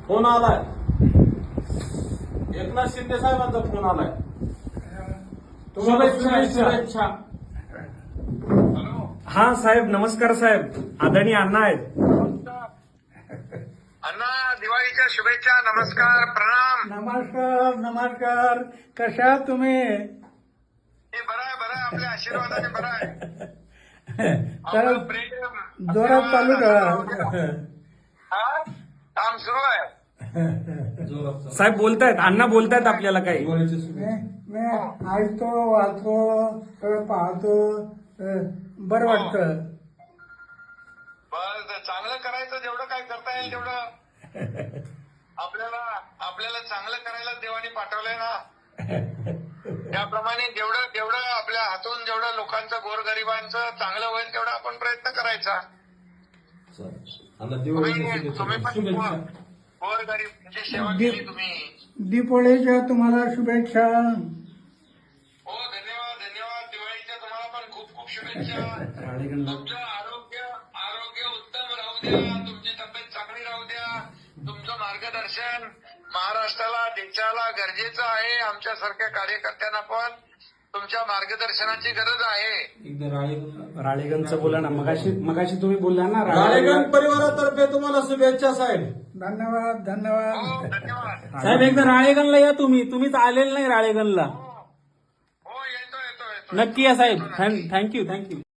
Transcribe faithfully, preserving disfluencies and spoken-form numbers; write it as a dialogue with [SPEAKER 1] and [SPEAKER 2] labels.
[SPEAKER 1] Phone आलाय. एकनाथ शिंदे साहेबांचा phone आलाय. तुम्हाला शुभेच्छा.
[SPEAKER 2] शुभेच्छा.
[SPEAKER 3] हॅलो.
[SPEAKER 2] हा साहेब, नमस्कार साहेब. आदरणीय अण्णा आहेत.
[SPEAKER 3] अण्णा, दिवाळीच्या शुभेच्छा. नमस्कार, प्रणाम.
[SPEAKER 4] नमस्कार नमस्कार. कशा आहात तुम्ही?
[SPEAKER 3] हे बरं आहे, बरं आहे. आपल्या आशीर्वादाने बरं आहे.
[SPEAKER 4] तर
[SPEAKER 3] आपलं प्रेम
[SPEAKER 4] जोरात चालू
[SPEAKER 3] आशीर्वाद,
[SPEAKER 4] ठेवा.
[SPEAKER 3] हा? काम सुरू आहे.
[SPEAKER 2] साहेब बोलतायत, अण्णा बोलतायत आपल्याला काही.
[SPEAKER 4] मी मी ऐकतो, वाचतो, सगळं पाहतो. अं, बरं वाटतं.
[SPEAKER 3] बरं, चांगलं करायचं. जेवढं काय करता येईल तेवढं आपल्याला आपल्याला चांगलं करायला देवाने पाठवलंय ना. त्याप्रमाणे जेवढं जेवढं आपल्या हातून जेवढं लोकांचं, गोरगरिबांचं चांगलं होईल तेवढा आपण प्रयत्न करायचा. तुम्ही तुम्ही पण गोरगरिबांची सेवा केली तुम्ही.
[SPEAKER 4] दीपावलीच्या तुम्हाला शुभेच्छा.
[SPEAKER 3] हो, धन्यवाद धन्यवाद. दिवाळीच्या तुम्हाला पण खूप खूप शुभेच्छा. तुमचं आरोग्य आरोग्य उत्तम राहू द्या. तुमची तब्येत चांगली राहू द्या. तुमचं मार्गदर्शन महाराष्ट्राला, देशाला गरजेचं आहे. आमच्यासारख्या कार्यकर्त्यांना पण तुमच्या मार्गदर्शनाची गरज आहे.
[SPEAKER 2] राळेगणचं बोला ना. मगाशी मगाशी तुम्ही बोलला ना.
[SPEAKER 1] राळेगण परिवारातर्फे तुम्हाला शुभेच्छा साहेब.
[SPEAKER 4] धन्यवाद
[SPEAKER 3] हो,
[SPEAKER 4] धन्यवाद.
[SPEAKER 3] धन्यवाद.
[SPEAKER 2] साहेब एकदा राळेगणला या तुम्ही. तुम्हीच आलेलं नाही राळेगणला.
[SPEAKER 3] हो, हो, येतो येतो येतो.
[SPEAKER 2] नक्की या साहेब. Thank you thank you.